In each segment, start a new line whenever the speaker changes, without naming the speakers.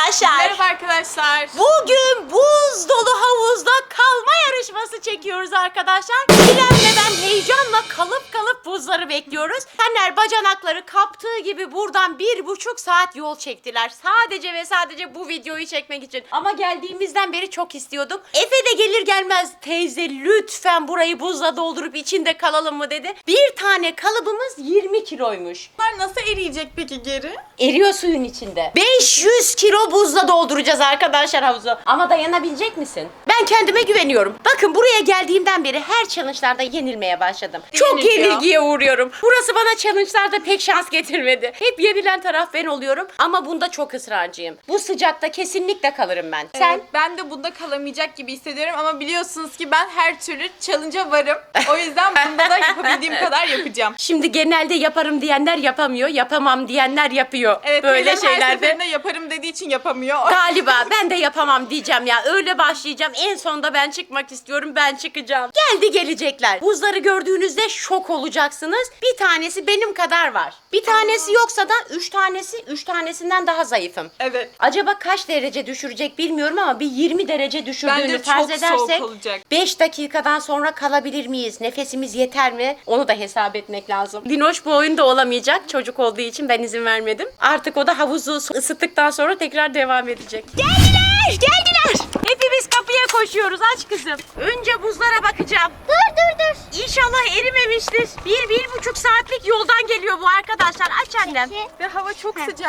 arkadaşlar.
Merhaba arkadaşlar.
Bugün buz dolu havuzda kalma yarışması çekiyoruz arkadaşlar. İrem ve ben heyecanla kalıp buzları bekliyoruz. Taner bacanakları kaptığı gibi buradan 1,5 saat yol çektiler. Sadece ve sadece bu videoyu çekmek için. Ama geldiğimizden beri çok istiyordum. Efe de gelir gelmez teyze lütfen burayı buzla doldurup içinde kalalım mı dedi. Bir tane kalıbımız 20 kiloymuş.
Bunlar nasıl eriyecek peki geri?
Eriyor suyun içinde. 500 kilo buzla dolduracağız arkadaşlar havuzu. Ama dayanabilecek misin? Ben kendime güveniyorum. Bakın buraya geldiğimden beri her challenge'larda yenilmeye başladım. Çok yenilgiye uğruyorum. Burası bana challenge'larda pek şans getirmedi. Hep yenilen taraf ben oluyorum. Ama bunda çok ısrarcıyım. Bu sıcakta kesinlikle kalırım ben. Sen?
Evet, ben de bunda kalamayacak gibi hissediyorum ama biliyorsunuz ki ben her türlü challenge'a varım. O yüzden bunda da yapabildiğim kadar yapacağım.
Şimdi genelde yaparım diyenler yapamıyor. Yapamam diyenler yapıyor.
Evet,
böyle
teyzem her
şeylerde.
seferinde yaparım dediği için yapamıyor.
Galiba ben de yapamam diyeceğim ya. Öyle başlayacağım. En sonunda ben çıkmak istiyorum. Ben çıkacağım. Geldi gelecekler. Buzları gördüğünüzde şok olacaksınız. Bir tanesi benim kadar var. Bir tanesi yoksa da 3 tanesinden daha zayıfım.
Evet.
Acaba kaç derece düşürecek bilmiyorum ama bir 20 derece düşürdüğünü
Bence
farz
çok soğuk
edersek
olacak.
5 dakikadan sonra kalabilir miyiz? Nefesimiz yeter mi? Onu da hesap etmek lazım. Dinoş bu oyunda olamayacak. Çocuk olduğu için ben izin vermedim. Artık o da havuzu ısıttıktan sonra tekrar devam edecek. Geldiler! Hepimiz kapıya koşuyoruz. Aç kızım. Önce buzlara bakacağım. Dur. İnşallah erimemiştir. 1,5 saatlik yoldan geliyor bu arkadaşlar. Aç annem.
Ve hava çok sıcak.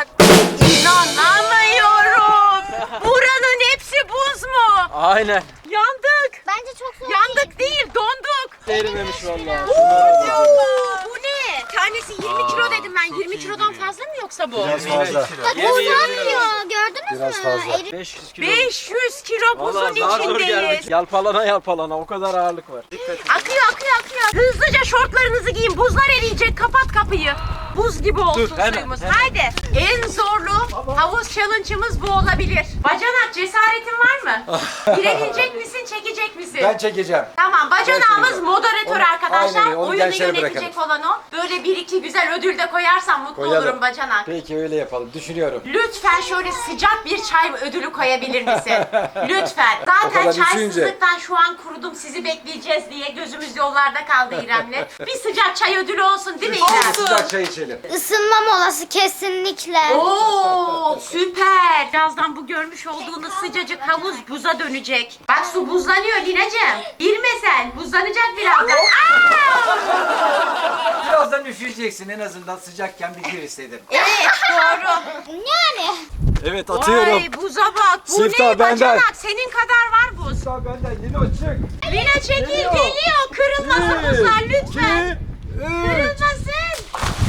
İnanamıyorum. Buranın hepsi buz mu?
Aynen.
Yandık.
Bence çok soğuk.
Yandık değil, donduk.
Erimemiş vallahi.
Bu ne? Tanesi 20 kilo dedim ben. 20 kilodan fazla mı yoksa bu?
Biraz fazla.
Bak uzanmıyor. Gördünüz
Biraz
mü?
fazla.
Eri-
500 kilo.
500 kilo buzun
Vallahi zar zor
içindeyiz.
geldik. Yalpalana o kadar ağırlık var. Dikkat et.
Akıyor. Hızlıca şortlarınızı giyin. Buzlar eriyecek. Kapat kapıyı. Buz gibi olsun
hemen,
suyumuz.
hemen.
Haydi. En zorlu havuz challenge'ımız bu olabilir. Bacanak cesaretin var mı? Direnecek misin, çekecek misin?
Ben çekeceğim.
Tamam, bacanağımız
çekeceğim.
moderatör
Onu-
arkadaşlar.
aynen öyle, onu
Oyunu
gençlere
yönetecek
bırakalım.
olan o. Böyle 1-2 güzel ödül de koyarsan mutlu olurum bacanak.
Peki öyle yapalım. Düşünüyorum.
Lütfen şöyle sıcak bir çay ödülü koyabilir misin? Lütfen.
O
Zaten
kadar
çaysızlıktan şu an kurudum, sizi bekleyeceğiz diye gözümüz yollarda kaldı İrem'le. Bir sıcak çay ödülü olsun değil mi İrem?
Sıcak çay içelim.
Isınma molası kesinlikle.
Oo süper. Birazdan bu görmüş olduğunuz sıcacık havuz buza dönecek. Bak su buzlanıyor Lina'cığım. Girme sen. Buzlanacak birazdan.
Birazdan üşüyeceksin. En azından sıcakken bir kere istedim.
Evet doğru.
Yani.
Evet atıyorum.
Vay buza bak. Bu
Siftah
ne
benden.
bacanak? Senin kadar var buz.
Sağ benden yine açık.
Lina çekil geliyor. Kırılmasın buzlar lütfen. Kırılmasın.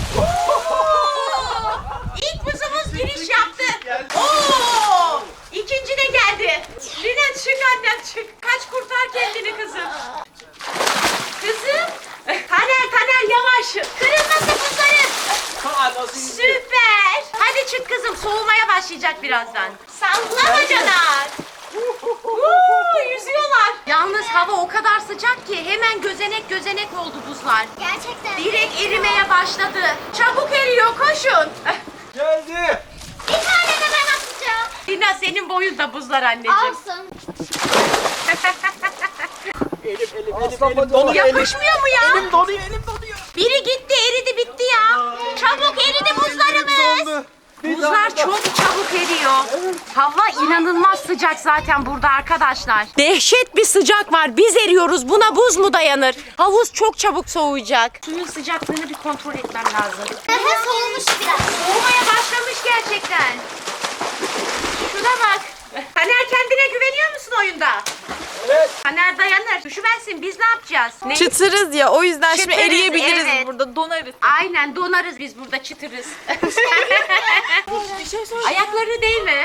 İlk buzumuz giriş yaptı. Oo! İkinci de geldi. Lina çık annem çık. Kaç kurtar kendini kızım. Kızım. Taner yavaş. Kırılmasın buzların. Süper. Hadi çık kızım. Soğumaya başlayacak birazdan. Salla bacanak. Yüzüyorlar. Yalnız hava o kadar sıcak ki hemen gözenek oldu buzlar.
Gerçekten.
Direkt erimeye başladı. Çabuk eriyor koşun.
Geldi.
Bir tane de ben atacağım.
Lina senin boyun da buzlar anneciğim.
Alsın.
Aslan
donuyor.
Yapışmıyor mu ya?
Elim donuyor.
Biri gitti eridi bitti ya. Çabuk eridi buzlarımız. Buzlar çok çabuk eriyor. Hava inanılmaz sıcak zaten burada arkadaşlar. Dehşet bir sıcak var. Biz eriyoruz. Buna buz mu dayanır? Havuz çok çabuk soğuyacak. Suyun sıcaklığını bir kontrol etmem lazım.
Daha soğumuş biraz.
Soğumaya başlamış gerçekten. Şuna bak. Taner kendine güveniyor musun oyunda?
Evet.
Taner dayanır. Düşüversin biz ne yapacağız? Ne?
Çıtırız ya o yüzden şimdi
Çıtırız,
eriyebiliriz
evet.
burada donarız.
Aynen donarız biz burada çıtırız.
Bir şey soracağım.
Ayaklarını değme.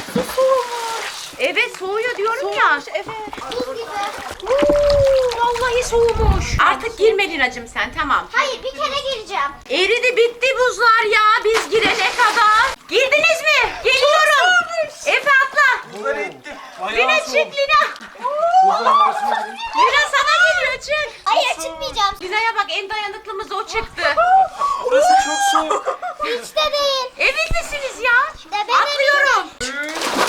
Evet soğuyor diyorum ya.
Evet.
Buz gibi.
Vallahi soğumuş. Artık girme Lina'cığım sen tamam.
Hayır bir kere gireceğim.
Eridi bitti buzlar ya biz girene kadar. Girdiniz mi? Geliyorum. Efe atla.
Bunları ettim.
Lina çık Lina.
Buzların arasına girin.
Lina sana geliyor çık.
Hayır çıkmayacağım.
Lina'ya bak en dayanıklımız o çıktı.
Burası çok soğuk.
Hiç de değil.
Emin misiniz ya?
De ben
Atlıyorum.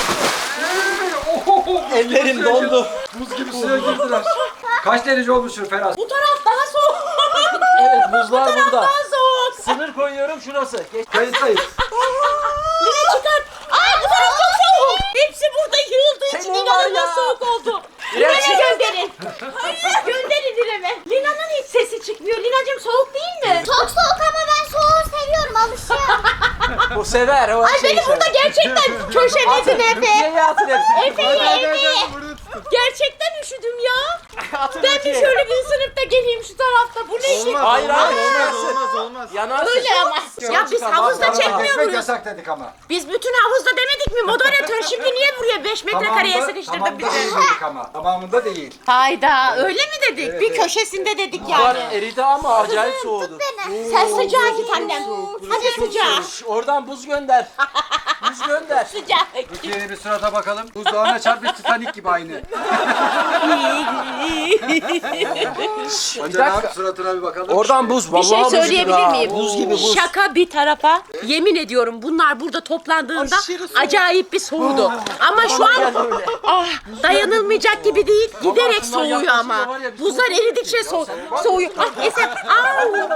Ellerim dondu.
Buz gibi suya girdiler. Kaç derece olmuştur Ferhat?
Bu taraf daha soğuk.
Evet buzlar burada.
Daha soğuk.
Sınır koyuyorum şurası. Geç.
Kayıttayız.
Lina çıkar. Aa bu taraf çok soğuk. Hepsi burada yığıldığı için
Senin var
inanılmaz
ya.
soğuk oldu.
İrem
Lina'ya
çık.
gönderin. Hayır. Gönderin İrem'e. Lina'nın hiç sesi çıkmıyor. Lina'cığım soğuk değil mi?
Çok soğuk ama ben soğuğu seviyorum, alışıyorum.
O sever o
Ay
şeyi
beni burada
sever.
gerçekten köşeledin Efe.
Türkiye'ye atın hepsini.
Efe'yi. Gerçekten üşüdüm ya.
Atın
Ben bir
Türkiye'ye.
şöyle bir sınıfta geleyim şu tarafta. Bu ne işin?
Hayır hayır üşümezsin.
olmaz.
Yanarsın.
Öyle ama. Ya biz havuzda çekmiyor
Kesmek
muyuz?
yasak dedik ama.
Biz bütün havuzda demedik mi? Moderatör şimdi niye buraya 5 metrekareye sıkıştırdın
tamamında
bizi?
değil dedik ama. Tamamında değil.
Hayda öyle mi dedik?
Evet,
Bir
evet.
köşesinde dedik
Buzlar
yani.
eridi ama acayip soğudu.
Sen sıcağa git annem. Hadi sıcağa.
Oradan buz gönder. Buz gönder.
Sıcağa.
Türkiye'ye bir surata bakalım. Buzdağına çarpmış Titanic gibi aynı.
dakika.
Suratına bir bakalım.
Oradan buz.
Bir şey
Vallahi buz gibi
söyleyebilir
ha.
miyim?
Buz gibi buz.
Şaka bir tarafa. Yemin ediyorum bunlar burada toplandığında acayip bir soğudu. Ama şu an dayanılmayacak gibi değil. Giderek
şunlar
soğuyor
yaklaşınca
ama.
var ya, bir
Buzlar eridikçe soğuyor. Ah Eser. Au.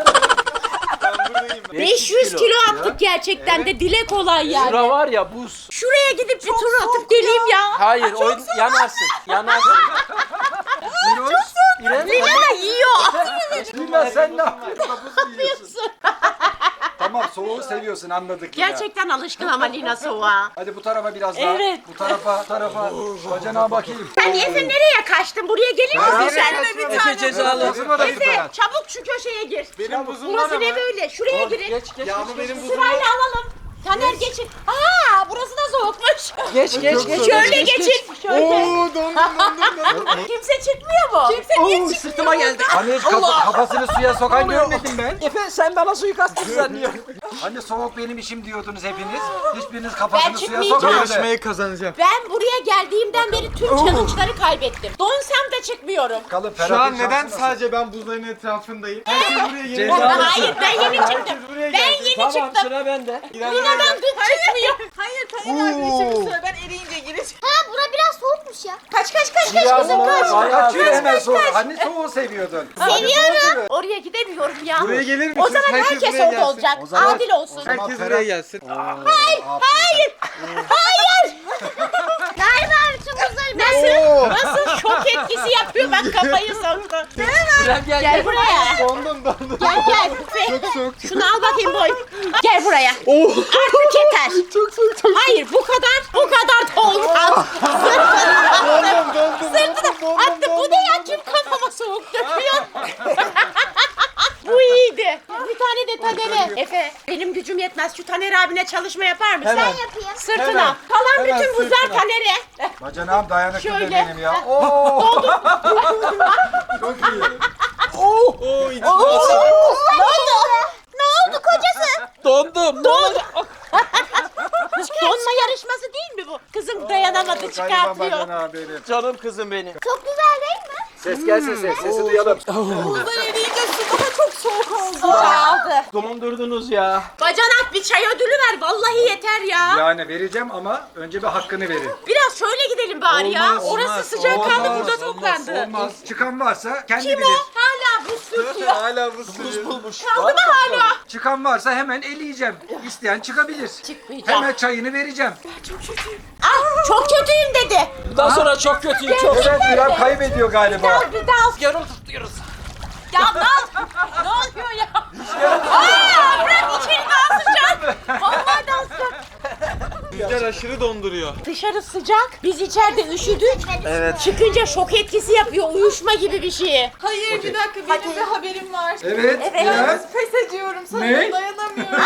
500 kilo attık gerçekten de dile kolay yani.
Şura var ya buz.
Şuraya gidip bir tur atıp geleyim ya.
Hayır o yanarsın. Yanarsın. İrem.
Lina da yiyor.
Lina sen ne yapıyorsun? Buz yiyorsun. Tamam soğuğu seviyorsun anladık Lina.
Gerçekten alışkın ama Lina soğuğa.
Hadi bu tarafa biraz daha.
Evet.
Bu tarafa. Bacana bakayım.
Sen Efe nereye kaçtın? Buraya gelir misin sen?
Efe cezalı.
Efe çabuk şu köşeye gir.
Benim buzum var
Burası
ama.
ne böyle? Şuraya girin.
Geç.
Ya ama benim buzum
Sırayla
var.
alalım. Taner geçin. Aa burası da soğukmuş.
Geç.
Şöyle geçin. Şöyle.
Oo dondum.
Kimse çıkmıyor mu? Kimse niye çıkmıyor?
Sırtıma geldi.
Hani hiç kafasını suya sokan görmedim ben.
Efe sen bana suikast düzenliyorsun.
Hani soğuk benim işim diyordunuz hepiniz. Hiçbiriniz
Ben
kafasını suya
çıkmayacağım.
sokmadı.
Yarışmayı kazanacağım.
Ben buraya geldiğimden beri tüm challenge'ları kaybettim. Donsam da çıkmıyorum.
Bakalım
Şu an
Ferhat'ın
neden
şansı nasıl?
sadece ben buzların etrafındayım? Herkes buraya yeni
Ceza.
Hayır ben yeni çıktım.
buraya
Ben
geldi.
yeni
Tamam
çıktım.
sıra bende.
Lina'dan dün çıkmıyor.
Hayır Taner arkadaşım söyle ben eriyince gireceğim.
Ha bura biraz soğukmuş ya.
Kaç
Biraz
kızım kaç.
Kaçıyor hemen soğuk. Hani soğuğu seviyordun.
Seviyorum. Oraya gidemiyorum ya.
Buraya gelir misiniz?
O zaman herkes
buraya
orada
gelsin.
olacak.
O zaman-
Adil olsun.
zaman
Herkes
Ferhat-
buraya gelsin.
Hayır. Hayır.
Galiba bütün buzları
Oo.
Nasıl şok etkisi yapıyor bak kafayı soktu.
İrem
Gel buraya.
Dondum.
Gel.
Çok soğuk.
Şunu al bakayım boy. Gel buraya.
Oo.
Artık yeter.
Çok soğuk.
Hayır bu kadar da olmaz. Sırtına attı. Bu ne ya kim kafama soğuk döküyor? Bu iyiydi. Bir tane de Taner'e. Efe benim gücüm yetmez. Şu Taner abine çalışma yapar mısın?
Hemen.
yapayım.
Sırtına.
Hemen.
Kalan
Hemen
bütün buzlar
sırtına.
Taner'e.
Bacanağım dayanıklı
Şöyle.
benim ya. Oo. Çok iyi.
Oo. içim
Ne oldu kocası?
Dondum.
Donma yarışması değil mi bu? Kızım dayanamadı
Gariban
çıkartıyor.
bacanağım benim.
Canım kızım benim.
Çok güzel değil mi?
Ses gelsin ses. Sesi duyalım.
Buzlar eriyince su daha çok soğuk oldu.
Aldı.
Dondurdunuz ya.
Bacanak bir çay ödülü ver. Vallahi yeter ya.
Yani vereceğim ama önce bir hakkını verin.
Biraz şöyle gidelim bari ya.
Olmaz,
Orası
olmaz,
sıcak kaldı
olmaz,
burada toplandı.
Olmaz. Çıkan varsa kendi
Kim
bilir.
o? Hala buz sürtüyor.
Hala buz sürüyor.
Bulmuş.
Kaldı mı hala?
Çıkan varsa hemen eleyeceğim. İsteyen çıkabilir.
Çıkmayacağım.
Hemen çayını vereceğim.
Ah, çok kötüyüm dedi.
Bundan sonra çok kötüyüm çok.
Evet İrem kaybediyor galiba.
Dal bir dal.
Yarım tutuyoruz.
Ya dal. Ne oluyor ya? Aa, bırak içeri daha sıcak. Vallahi daha sıcak.
Rüzgar aşırı donduruyor.
Dışarı sıcak. Biz içeride üşüdük.
Evet.
Çıkınca şok etkisi yapıyor. Uyuşma gibi bir şey.
Hayır bir dakika benim bir haberim var.
Evet. İrem.
Pes ediyorum sana
Ne?
dayanamıyorum.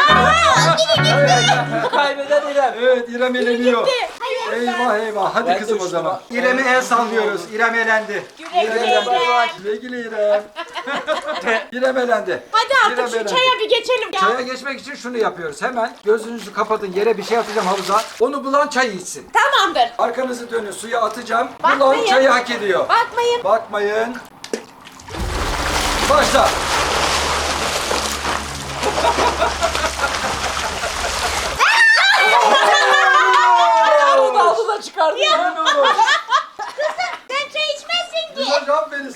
Kaybeden İrem.
Evet İrem eleniyor.
Gitti.
Eyvah eyvah. Hadi
Ben de
kızım o
uçtum
zaman.
ha.
İrem'e el sallıyoruz. İrem elendi.
Güle güle
İrem.
İrem.
Güle güle İrem. İrem elendi.
Hadi
İrem
artık şu
elendi.
çaya bir geçelim ya.
Çaya geçmek için şunu yapıyoruz. Hemen gözünüzü kapatın. Yere bir şey atacağım havuza. Onu bulan çay içsin.
Tamamdır.
Arkanızı dönün. Suya atacağım.
Bakmayın.
Bulan çayı hak ediyor.
Bakmayın.
Bakmayın. Başla.
Onu da aldı da çıkardı.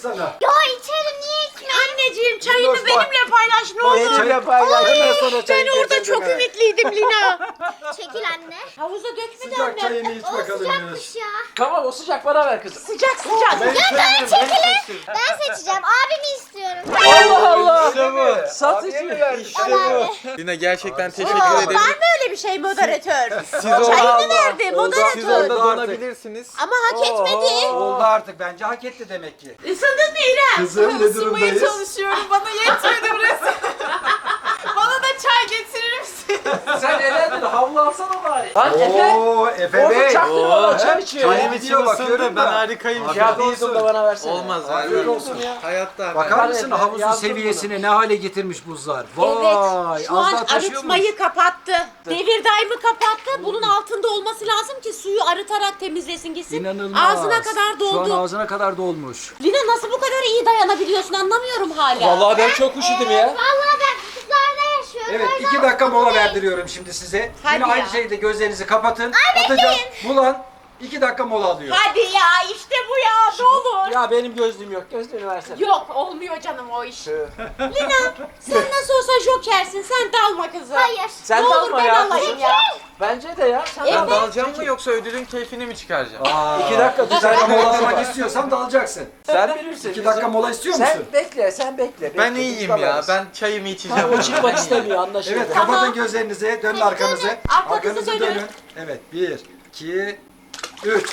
sana.
Ya içerim niye içmiyorum?
Anneciğim çayını
Minnoş, bak.
benimle paylaş ne
Bak,
olur.
çayı paylaş. Hemen sana çayı
Ben orada
getirdim
çok
he.
ümitliydim Lina.
Çekil anne.
Havuza dökme de
Sıcak
annem.
çayını iç
O
bakalım Minnoş.
sıcakmış ya.
Tamam o sıcak bana ver kızım.
Sıcak sıcak.
Ben seçeceğim. Abimi istiyorum.
Allah Allah.
İşte bu.
Satıcı.
İşte bu. Lina gerçekten teşekkür
Var
ederim.
mı öyle bir şey moderatör?
Siz
Çayını
orada,
verdi
siz
moderatör.
orada
Oldu artık.
donabilirsiniz.
Ama hak etmedi.
Oldu artık bence hak etti demek ki.
Isındın mı İrem?
Kızım ne
Isınmaya
durumdayız?
çalışıyorum. Bana yetmedi burası. Bana da çay getirir misin?
Sen elendin havlu alsana bari. Lan Efe.
Oo Efe
Orada
Bey.
çaktırmadan çay içiyor
Çayım
ya.
Benim
gidiyor,
içim ısındı.
bakıyorum
Ben
da.
harikayım.
Afiyet
Ya
olsun.
değildim de bana versene.
Olmaz.
Afiyet
Hayır.
olsun.
Hayatta.
Bakar
Hadi
mısın
Efe,
havuzun
yazdım
seviyesine ne hale getirmiş buzlar? Vay.
Evet. Şu
az
an
daha taşıyor muyuz?
arıtmayı kapattı. Devir daimi kapattı. Bunun altında olması lazım ki suyu arıtarak temizlesin gitsin.
İnanılmaz.
Ağzına kadar doldu.
Şu an ağzına kadar dolmuş.
Lina nasıl bu kadar iyi dayanabiliyorsun anlamıyorum hala.
Vallahi ben çok üşüdüm ya.
Vallahi ben kutuplarda yaşıyorum.
Evet
O yüzden
2 dakika mola verdiriyorum şimdi size.
Hadi
Yine aynı
ya.
şeyde gözlerinizi kapatın. Atacağım. Bulan 2 dakika mola alıyor.
Hadi ya işte bu ya ne olur.
Ya benim gözlüğüm yok. Gözlüğünü versene.
Yok olmuyor canım o iş. Lina sen nasıl olsa jokersin sen dalma kızım.
Hayır.
Sen
ne
de
olur
alma
ben
ya.
alayım ya.
Bence de ya. Sen
Ben
de al.
dalacağım mı yoksa ödülün keyfini mi çıkaracağım?
2 dakika düzenli mola almak istiyorsan dalacaksın.
Sen bilirsin.
2 dakika mola istiyor musun?
Sen bekle, sen bekle.
Ben
Bekle,
iyiyim
biz
ya.
dalarız.
Ben çayımı içeceğim.
O çıkmak istemiyor anlaşıldı.
Evet
Tamam.
kapatın gözlerinizi. Dönün arkanızı.
Arkanızı
Arkanızı
dönün.
dönün. Evet 1, 2, 3.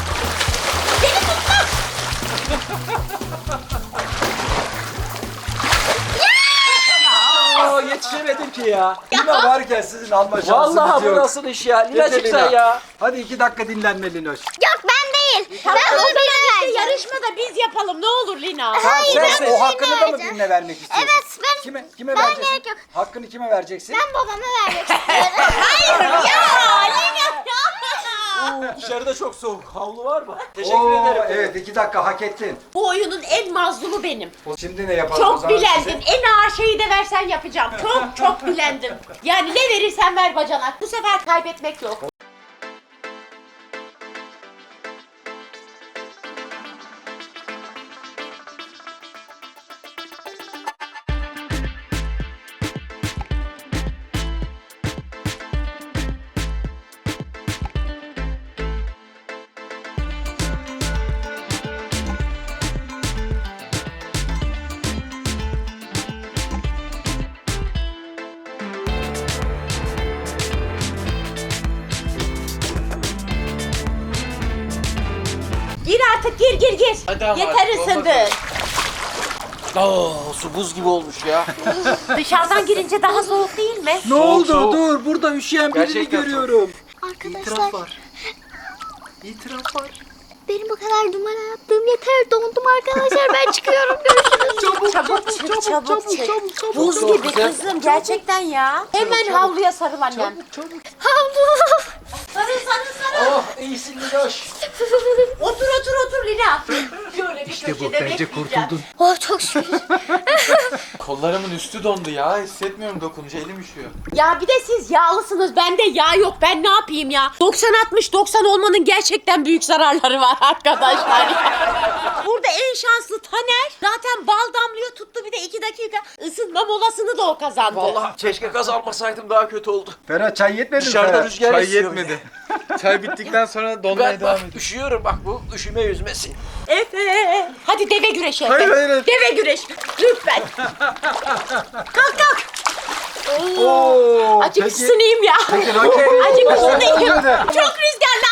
Aa, yetişemedim ki ya.
Lina varken sizin alma şansınız
Vallahi bu
yok.
nasıl iş ya? Linacık
Lina.
sen ya.
Hadi 2 dakika dinlenme Linoş.
Yok ben değil. Ben
Ama
abime
birlikte
vereceğim.
yarışmada biz yapalım ne olur Lina.
Hayır
Sen
ben
o hakkını da mı
vereceğim.
birine vermek istiyorsun?
Evet ben
Kime
Ben
vereceksin?
gerek yok.
Hakkını kime vereceksin?
ben babama vermek istiyorum.
Ya Lina.
Dışarıda çok soğuk. Havlu var mı? Teşekkür
Oo,
ederim.
evet 2 dakika hak ettin.
Bu oyunun en mazlumu benim.
Şimdi ne yapalım o
Çok
zaman
bilendim.
size?
En ağır şeyi de versen yapacağım. Çok bilendim. Yani ne verirsen ver bacanak. Bu sefer kaybetmek yok. Gir artık gir.
Hadi ama
Yeter
artık,
ısındın.
Su buz gibi olmuş ya.
Dışarıdan girince daha soğuk değil mi?
Ne oldu?
soğuk.
Dur burada üşüyen birini
Gerçekten
görüyorum.
Arkadaşlar
İtiraf var.
benim bu kadar numara yaptığım yeter. Dondum arkadaşlar. Ben çıkıyorum. Görüşürüz.
Çabuk çık. Buz gibi kızım gerçekten ya. Hemen havluya sarıl annem.
Havlu.
Sarıl.
Oh iyisin Linoş.
Otur Lina. Şöyle bir
İşte bu
köşede
bence
bekleyeceğim.
kurtuldun.
Oh çok şükür.
Kollarımın üstü dondu ya. Hissetmiyorum dokununca elim üşüyor.
Ya bir de siz yağlısınız. Bende yağ yok. Ben ne yapayım ya? 90-60-90 olmanın gerçekten büyük zararları var arkadaşlar. Burada en şanslı Taner. Zaten bal damlıyor tuttu bir de 2 dakika ısınma molasını da o kazandı.
Vallahi keşke gaz almasaydım daha kötü oldu.
Ferhat çay yetmedi mi
Dışarıda
Ferhat?
rüzgar
Çay
esiyor.
yetmedi. Çay bittikten sonra donmaya
Ben
devam
bak
ediyor.
üşüyorum bak bu üşüme yüzmesi.
Efe. Hadi deve güreşi Efe.
Hayır.
Deve güreşi. Lütfen. Kalk.
Oo,
Acık
peki-
ısınayım ya.
Peki raket.
Acık ısınayım.
Hadi.
Çok rüzgarlı.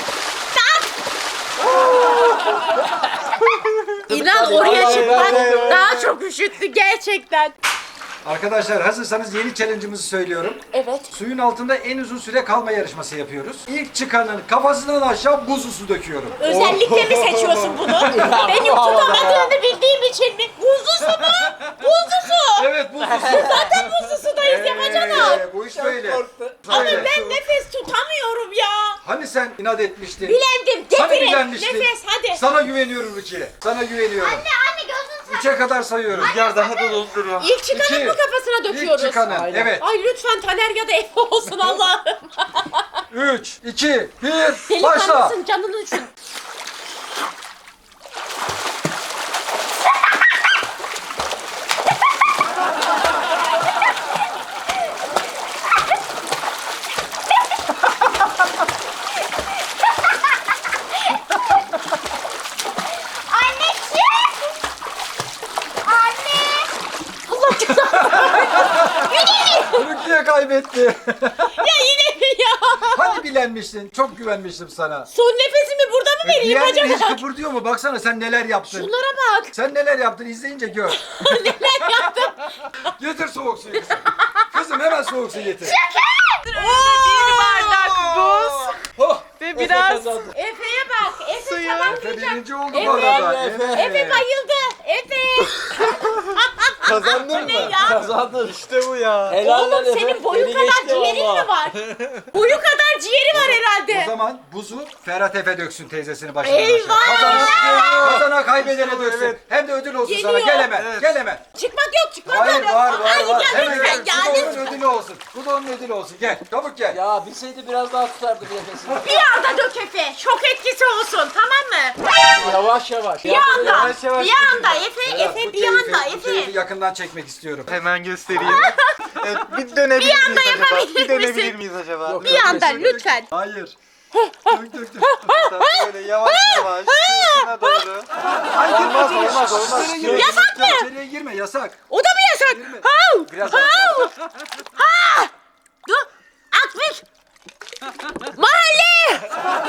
İnan oraya çıkmak daha çok üşüttü gerçekten.
Arkadaşlar hazırsanız yeni challenge'ımızı söylüyorum.
Evet.
Suyun altında en uzun süre kalma yarışması yapıyoruz. İlk çıkanın kafasından aşağı buzlu su döküyorum.
Özellikle mi seçiyorsun bunu? Benim tutamadığını bildiğim için mi? Buzlu su mu? Buzlu su.
Evet buzlu su.
Zaten buzlu sudayız yapacaksın.
Bu iş böyle.
Ama
Böyle.
ben nefes tutamıyorum ya.
Hani sen inat etmiştin?
Bilendim.
Hani
Getirin.
bilenmiştin?
Nefes hadi.
Sana güveniyorum Rukiye. Sana güveniyorum.
Anne gözün
3'e kadar sayıyorum.
Rüzgar daha da donduruyor.
İlk çıkanın
İki.
mı kafasına döküyoruz?
İlk çıkanın.
Aynen.
Evet.
Ay lütfen Taner ya da Efe olsun Allah'ım.
3, 2, 1, başla.
Delikanlısın canını düşün.
kaybetti.
Ya yine mi ya?
Hani bilenmiştin? Çok güvenmiştim sana.
Son nefesimi burada mı vereyim
Diğerleri hiç
acaba?
kıpırdıyor mu? Baksana sen neler yaptın.
Şunlara bak.
Sen neler yaptın izleyince gör.
Neler yaptım?
Getir soğuk suyu kızım. Kızım hemen soğuk su getir.
Bir bardak buz
Oh,
ve biraz
Efe'ye bak. Efe tamam
Efe
diyeceğim.
birinci oldu bu
Efe,
arada.
Efe bayıldı. Efe.
Kazandın
Bu ne
mı?
ya?
Kazandın.
İşte bu ya.
Helal lan
Oğlum
Efe.
senin boyun
Beni
kadar
geçti
ciğerin
valla.
mi var? Boyu kadar ciğeri var
O
herhalde.
zaman buzu Ferhat Efe döksün teyzesini başına.
Eyvah!
Kazana kaybedene döksün. Hem de ödül olsun sana.
Geliyor.
Gel hemen. Gel hemen.
Çıkmak yok çıkmak
Hayır
yok.
var
Ay,
var.
ya
Hemen
lütfen
gel.
ya
Bu da onun
lütfen.
ödülü olsun. Bu da onun ödülü olsun. Gel. Çabuk gel.
Ya bilseydi biraz daha tutardı bir nefesini.
Bir anda dök Efe. Şok etkisi olsun tamam mı?
Yavaş yavaş.
Bir anda.
yavaş yavaş
Bir anda Efe.
Ferhat,
Efe
bu
bir
keyfi-
anda
bu keyfi
Efe.
yakından çekmek istiyorum.
Hemen göstereyim. Evet, bir dönebilir
Bir anda
miyiz acaba?
yapabilir
Bir dönebilir
misin?
miyiz acaba?
Yok.
Bir anda lütfen.
Hayır. Dök dök dök.
Böyle yavaş yavaş sırtına doğru. Olmaz olmaz olmaz.
Yasak mı?
İçeriye girme yasak.
O da mı yasak? Hav!
Biraz
Hav! Ha! Dur. Akmış. Mahalle.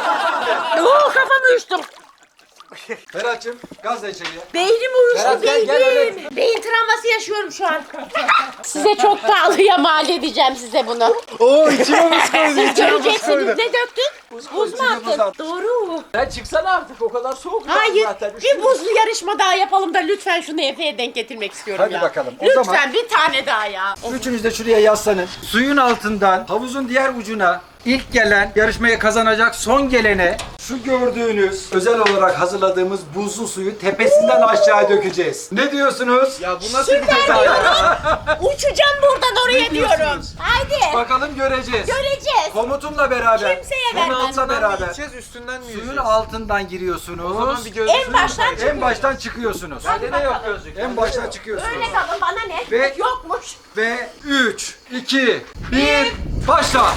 Kafamı uyuştum.
Ferhat'cığım gazla içeriye.
Beynim uyuştu
Ferhat, gel, gel,
beynim. Beyin travması yaşıyorum şu an. Size çok pahalıya mal edeceğim size bunu.
Oo içime buz koydu.
Siz
İçime buz
göreceksiniz.
koydu.
Ne döktün? Buz mu
içine buz
attın?
attım.
Doğru.
Sen çıksana artık o kadar soğuk
Hayır.
zaten.
Bir buzlu yarışma daha yapalım da lütfen şunu Efe'ye denk getirmek istiyorum
Hadi
ya.
bakalım. O
Lütfen
zaman-
bir tane daha ya.
Üçünüz de şuraya yaslanın. Suyun altından havuzun diğer ucuna ilk gelen yarışmayı kazanacak, son gelene şu gördüğünüz özel olarak hazırladığımız buzlu suyu tepesinden aşağı dökeceğiz. Ne diyorsunuz?
Ya bu nasıl bir ceza ya?
Uçacağım buradan oraya
Ne
diyorum.
diyorsunuz?
Haydi.
Bakalım göreceğiz.
Göreceğiz.
Komutumla beraber.
Kimseye
Komutanla
vermem.
Altından mı
beraber.
gideceğiz üstünden mi
Suyun
yüzeceğiz?
altından giriyorsunuz.
O zaman bir
En
gözlüğünü
baştan çık.
En baştan çıkıyorsunuz.
Bende de yok gözlük.
En baştan çıkıyorsunuz.
Öyle kalın bana ne?
Ve-
Yokmuş.
Ve 3, 2, 1, başla.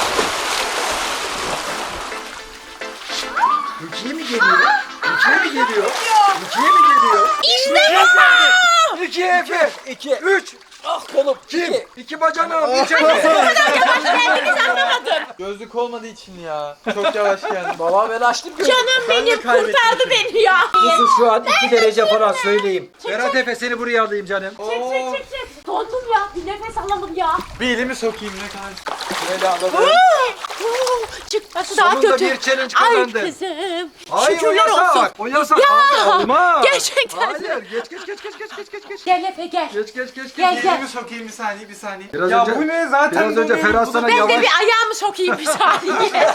Rukiye mi geliyor? Rukiye mi geliyor? Rukiye mi geliyor?
İşte bu.
2 Efe.
2.
3.
Ah kolum.
Kim?
2.
2 bacanağım. 3 Efe.
Kendiniz anlamadın.
Gözlük olmadığı için ya. Çok yavaş geldim.
Baba ben açtım gözlüğü.
Canım benim
kaybettim
kurtardı beni ya.
Kuzu şu an 2 derece falan söyleyeyim. Berat Efe seni buraya alayım canım.
Çık çık çık. Dondum ya. Bir nefes alalım ya.
Bir elimi sokayım ne kadar.
Böyle anladım.
Çıkması daha
Sonunda
kötü.
bir challenge
Ay
kazandın.
kızım.
Hayır o
Şükürler
yasak.
olsun.
O yasak.
Ya,
Aa, olmaz.
gerçekten.
Hayır. Geç.
Gel Efe gel.
Geç.
Gel
Bir
gel.
elimi sokayım bir saniye bir saniye.
Biraz
ya
önce-
bu ne zaten
Biraz önce
böyle-
Ferhat sana
Ben
yavaş.
de bir ayağımı sokayım bir saniye.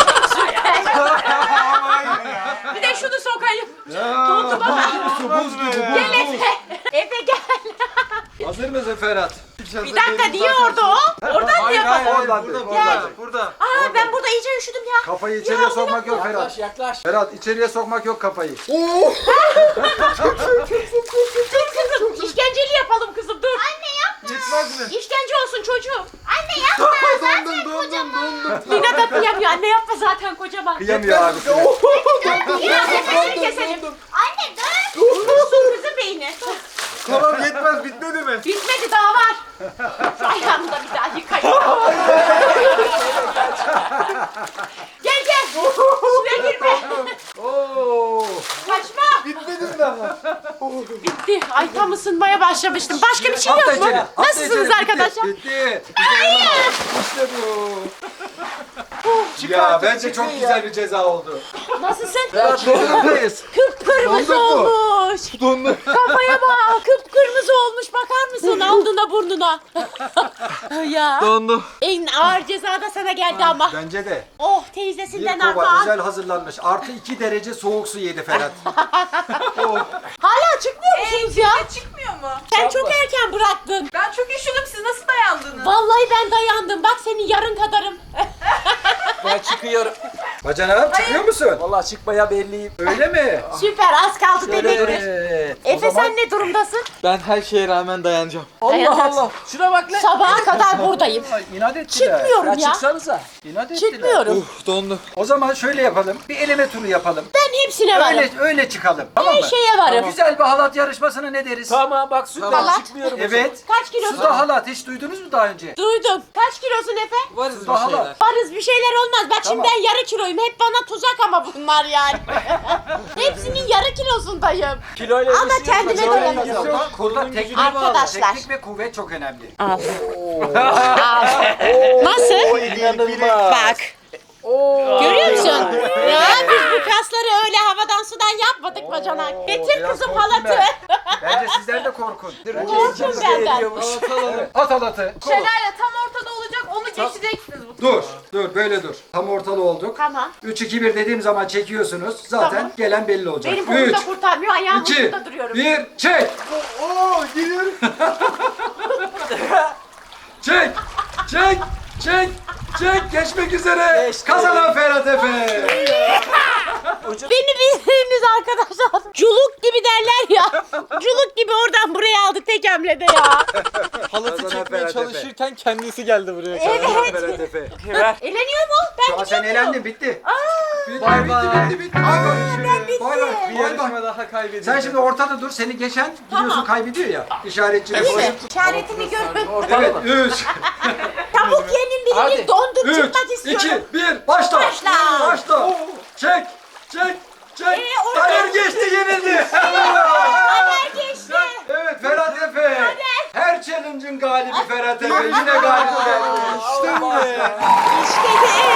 Bir de şunu sokayım. Dondu baba.
Buz gibi buz.
Gel Efe. Efe gel.
Hazır mısın Ferhat?
Bir dakika niye orada o? Oradan mı
Hayır
yapalım?
hayır
Oradan
burada
değil.
burada.
Aa ben burada iyice üşüdüm ya.
Kafayı içeriye sokmak yok Ferhat.
Yaklaş yaklaş.
Ferhat içeriye sokmak yok kafayı.
Kızım işkenceli yapalım kızım dur. Anne
Yetmez mi?
İşkence olsun çocuğum.
Anne yapma.
Dondum.
Lina da kıyamıyor. Anne yapma zaten kocaman.
Kıyamıyor abisine.
Biraz nefesini keselim.
Anne dur.
Kızım beyni.
Tamam yetmez bitmedi mi?
Bitmedi daha var. Şu ayağımı da bir daha yıkayayım. Gel. Suya girme.
Oo.
Kaçma.
Bitmedi mi daha?
Bitti. Ay tam ısınmaya başlamıştım. Başka bir şey
Atla
yok mu?
içeri, atla
Nasılsınız
içeri.
arkadaşlar?
Bitti. Hayır. İşte bu. Ya bence çok güzel bir ceza oldu.
Nasılsın?
Dondurmayız.
Kıpkırmızı
Donduk mu?
olmuş.
Dondu.
Kafaya bak. Kıpkırmızı olmuş. Bakar mısın? Aldığına burnuna. ya.
Dondu.
En ağır ceza da sana geldi ama.
Bence de.
Oh
Bir
teyzesinden
kova
armağan.
özel hazırlanmış. Artı 2 derece soğuk su yedi Ferhat.
Hala çıkmıyor musunuz ya?
çıkmıyor mu?
Sen çok erken bıraktın.
Ben çok üşüdüm. Siz nasıl dayandınız?
Vallahi ben dayandım. Bak senin yarın kadarım.
Ben çıkıyorum.
Bacanağım çıkıyor musun?
Vallahi çıkmaya belliyim.
Öyle mi?
Süper az kaldı bebektir.
Evet.
Efe sen ne durumdasın?
Ben her şeye rağmen dayanacağım.
Allah
Dayanacaksın.
Allah. Şuna bak lan.
Sabaha kadar buradayım.
İnat ettiler.
Çıkmıyorum
Ya
ya.
çıksanıza.
İnat ettiler.
Çıkmıyorum.
Dondu.
O zaman şöyle yapalım. Bir eleme turu yapalım.
Ben Hepsine varım.
Öyle çıkalım. Tamam mı?
Her şeye varım.
Güzel bir halat yarışmasına ne deriz?
Tamam bak sütten
Halat.
çıkmıyorum.
Evet.
Kaç kilosun?
Suda halat hiç duydunuz mu daha önce?
Duydum. Kaç kilosun Efe?
Varız bir
Daha
şeyler.
var.
Varız bir şeyler olmaz. Bak şimdi
Tamam.
ben yarı kiloyum. Hep bana tuzak ama bunlar yani. Hepsinin yarı kilosundayım.
Kiloyla
Ama
ilgisi yok.
kendime
Kiloyla
doyamam.
ilgisi yok.
Burada teknik,
Arkadaşlar.
teknik ve kuvvet çok önemli.
Al. Nasıl?
İnanılmaz.
Bak. Görüyor musun? Ya biz bu kasları öyle havadan sudan yapmadık bacanak. Getir
biraz
kızım
korktum
halatı.
Bence sizler de korkun.
Korkun benden.
At halatı.
Şelale tam ortada olacak, onu geçeceksiniz bu.
Dur böyle dur. Tam ortalı olduk.
Tamam.
3-2-1 dediğim zaman çekiyorsunuz. Zaten
Tamam.
gelen belli olacak.
Benim kolum da kurtarmıyor. Ayağım
2,
ucunda duruyorum.
1, çek! Çek! Çek! Çek! Çek! Geçmek üzere!
Geçti.
Kazanan Ferhat Efe!
Beni bildiğiniz arkadaşlar. Culuk gibi derler ya. Culuk gibi oradan buraya aldık tek hamlede ya.
Halatı
Kazanan
çekmeye
Ferhat Efe.
çalışırken kendisi geldi buraya.
Kazanan Ferhat Efe.
Eleniyor mu? Ben
Şu an sen
gidiyor muyum?
elendin, bitti. Bitti,
Bay bay.
bitti. Bay bay.
Bir yarışma daha kaybedildi.
Sen şimdi ortada dur, seni geçen biliyorsun
Tamam.
kaybediyor ya. İşaretçi.
Değil mi? İşaretini görün.
Evet, 3,
Tavuk yenin birini dondurup
3,
çıkmak
2,
istiyorum.
1, başla.
Başla.
Başla. Çek, çek, çek.
orada-
Taner geçti, yenildi.
Taner geçti.
Evet, Ferhat Efe. Her challenge'ın galibi Ferhat Efe. Yine galip geldi.
İşte bu be.
İşte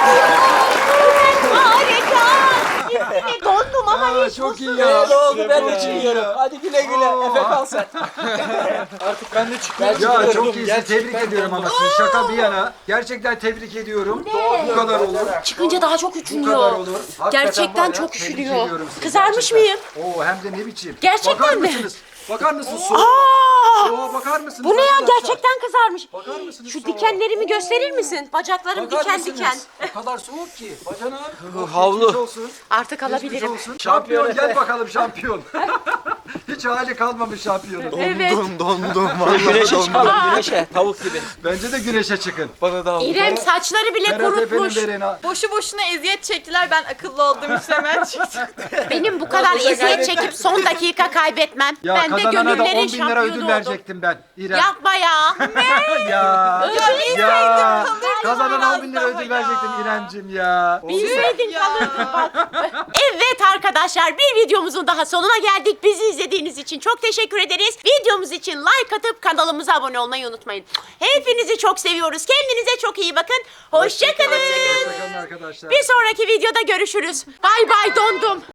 harika. Gitti. Dondum ama hiç
çok iyi
mutsuz
ya.
Ne oldu ben de
Bravo.
çıkıyorum. Hadi güle güle. Efe kal sen.
Artık ben de çıkıyorum.
Ya çok iyisin.
Gerçekten
Tebrik ediyorum ama siz şaka bir yana. Gerçekten tebrik ediyorum. Bu kadar olur.
Çıkınca daha çok
Bu kadar
üşünüyor.
olur. Hakikaten
Gerçekten
var ya,
çok
tebrik
üşünüyor.
ediyorum sizi.
Kızarmış
Gerçekten.
mıyım?
Oo hem de ne biçim.
Gerçekten
Bakar
mi?
mısınız? Bakar mısınız? Soğuğa bakar mısınız?
Bu ne ya?
arkadaşlar?
gerçekten kızarmış.
Bakar mısınız
Şu
soğuğa?
dikenlerimi gösterir misin? Bacaklarım
Bakar
diken
mısınız?
diken.
O kadar soğuk ki. Bacanağım.
Havlu.
Geçmiş olsun.
Artık
Geçmiş
alabilirim.
olsun. Şampiyon gel bakalım şampiyon. Hiç hali kalmamış şampiyonun.
Evet.
Dondum vallahi
Güneşe
dondum.
çıkalım güneşe. Tavuk gibi.
Bence de güneşe çıkın.
Bana da havlu.
İrem saçları bile
Ferhat Efe'nin
kurutmuş.
verin ha.
Boşu boşuna eziyet çektiler, ben akıllı olduğum için hemen çıktım.
Benim bu kadar eziyet çekip son dakika kaybetmem.
Ya
Ben de
kazanana da 10
gönüllerin
bin lira
şampiyonu
ödül
oldum.
verecektim ben. İrem.
Yapma ya.
Ya.
Ödül
Ya.
kalırdım
Kazanana 10 bin lira
biraz daha
ödül
ya.
verecektim İremcim ya.
Bilseydin kalırdın bak. Evet arkadaşlar, bir videomuzun daha sonuna geldik. Bizi izlediğiniz için çok teşekkür ederiz. Videomuz için like atıp kanalımıza abone olmayı unutmayın. Hepinizi çok seviyoruz. Kendinize çok iyi bakın. Hoşçakalın.
Hoşçakalın arkadaşlar.
Bir sonraki videoda görüşürüz. Bay bay dondum.